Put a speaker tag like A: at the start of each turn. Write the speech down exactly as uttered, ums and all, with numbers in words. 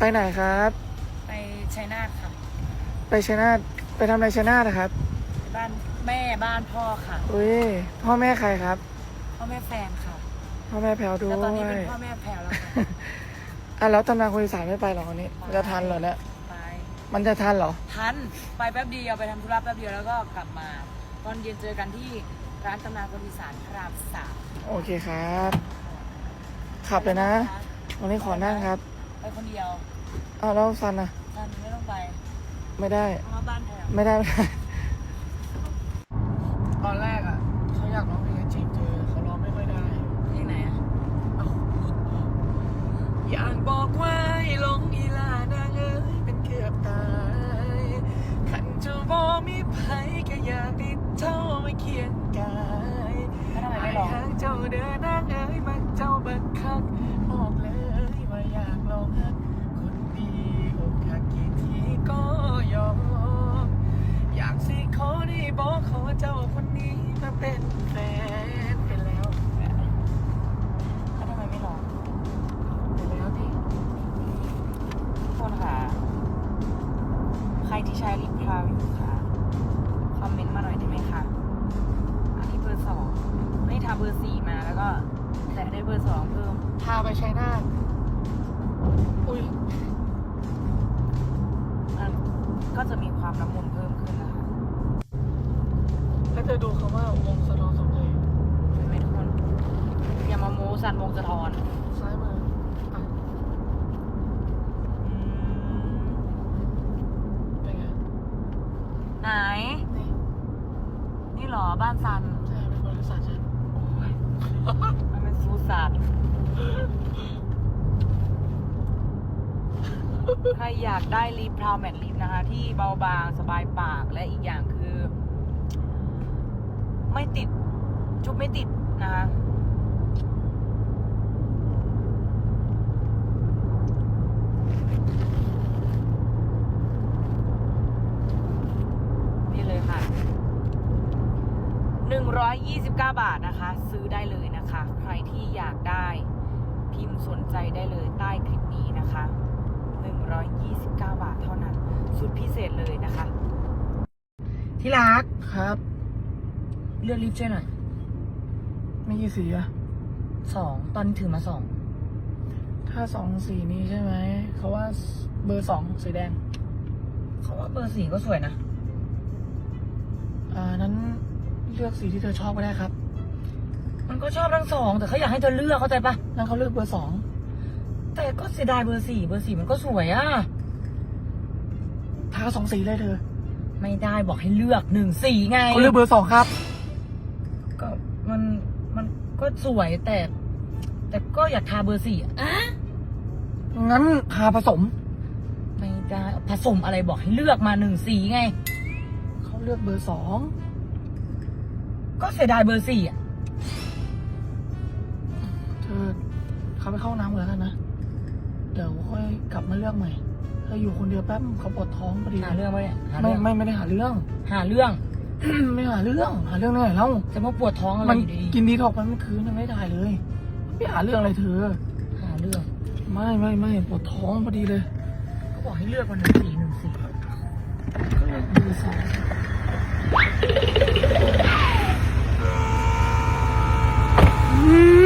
A: ไปไหนครับ
B: ไปชัยนาทค่ะ
A: ไปชัยนาทไปทำอะไรชัยนาทนะครับ
B: บ้านแม่บ้านพ่อค่ะ
A: อุ้ยพ่อแม่ใครครับ
B: พ่อแม่แฟนค่ะ
A: พ่อแม่แพลวด้วย
B: แล้วตอนนี้เป็นพ่อแม่แพลวแล้วค่ะ
A: อ่ะแล้วตำนานคนอีสานไม่ไปหรอวันนี้มันจะทันเหรอเนี่ย
B: ไป
A: มันจะทันเหรอ
B: ทันไปแป๊บเดียวไปทำธุระแป๊บเดียวแล้วก็กลับมาตอนเย็นเจอกันที่ร้านตำนานคนอีสานพระรามสาม
A: โอเคครับขับเลยนะวันนี้ขอนั่งครับ
B: ไปคนเดียว
A: อ้าวแล้วซันอ่ะ
B: ซันไม่ต้องไป
A: ไม่ได้
B: มาบ้านแพลว
A: ไม่ได้ไม่ได้ตอนแรกอ่ะเขาอยากร้องเพลงจีบเธอเขาร้องไม่ค่อยได้
B: เพลงไหนอ่ะ
A: อยากบอกว่าให้ลงอีลานางเอ้ยเป็นเกือบตายขันจะบอมีไผก็อยากติดเท่าไม่เคียงกายไอ้หางเจ้าเดินนางเอ้ยมันเจ้าบักคักบอกเลยว่าอยากลองฮักคนดีอกหักกี่ทีก็ยอมอยากสิขอได้บอกขอเจ้าคนนี้มาเป็นแฟนไปแล้ว
B: แล้วทำไมไม่ลอง
A: ไปแล้วดิ
B: คนค่ะใครที่ใช้ลิปพราวอยู่ค่ะคอมเมนต์มาหน่อยได้ไหมคะอันนี้เบอร์สองไม่ทำเบอร์สี่มาแล้วก็แต่ได้เบอร์สองเพิ่ม
A: พาไปชัยนาทอุ้ย
B: ก็จะมีความละมุนเพิ่มขึ้นนะคะ
A: แล้วจะดูคำว่าวงสะท้อนสมเลย
B: เห็นไหมทุกคนอย่ามาโม้สันวงสะท้อน
A: ซ้ายมืออ่ะเป็นไง
B: ไหน
A: นี่
B: นี่หรอบ้านซัน
A: ใช่เป็นบริษัทฉัน
B: มันเป็นซูซานใครอยากได้ลิปพราวแมทลิปนะคะที่เบาบางสบายปากและอีกอย่างคือไม่ติดจุ๊บไม่ติดนะคะนี่เลยค่ะหนึ่งร้อยยี่สิบเก้าบาทนะคะซื้อได้เลยนะคะใครที่อยากได้พิมพ์สนใจได้เลยใต้คลิปนี้นะคะหนึ่งร้อยยี่สิบเก้าบาทเท่านั้นสุดพิเศษเลยนะคะที่รัก
A: ครับ
B: เลือกลิปช่วยหน่อย
A: ไม่กี่สีอะ
B: สองตอนนี้ถือมาสอง
A: ถ้าสองสีนี้ใช่ไหมเขาว่าเบอร์สองสีแดง
B: เขาว่าเบอร์สี่ก็สวยนะ
A: อ่านั้นเลือกสีที่เธอชอบก็ได้ครับ
B: มันก็ชอบทั้งสองแต่เขาอยากให้เธอเลือกเข้าใจปะ
A: นั้นเขาเลือกเบอร์สอง
B: แต่ก็เสียดายเบอร์สี่เบอร์สี่มันก็สวยอะ
A: ทาสองสีเลยเธอ
B: ไม่ได้บอกให้เลือกหนึ่งสีไง
A: เขาเลือกเบอร์สองครับ
B: ก็มันมันก็สวยแต่แต่ก็อยากทาเบอร์สี่อ่ะ
A: งั้นทาผสม
B: ไม่ได้ผสมอะไรบอกให้เลือกมาหนึ่งสีไง
A: เขาเลือกเบอร์สอง
B: ก็เสียดายเบอร์สี่อ่ะ
A: เธอเขาไปเข้าน้ำแล้วกันนะเดี๋ยวค่อยกลับมาเลือกใหม่เธออยู่คนเดียวแป๊บเขาปวดท้องพอดี
B: หาเรื่องไหมเนี่ย
A: ไม่ไม่ไม่ได้หาเรื่อง
B: หาเรื่อง
A: ไม่หาเรื่องหาเรื่องอะไรเล่า
B: จะมาปวดท้องอะไรอยู่ดี
A: กินดีท็อกมันเมื่อคืนยังไม่ได้เลยไม่หาเรื่องอะไรเธอ
B: หาเรื่อง
A: ไม่ไม่ไม่ปวดท้องพอดีเลย
B: ก็บอกให้เลือกวันหนึ่งสีหนึ่งสี
A: ก็เลือกเบอร์สอง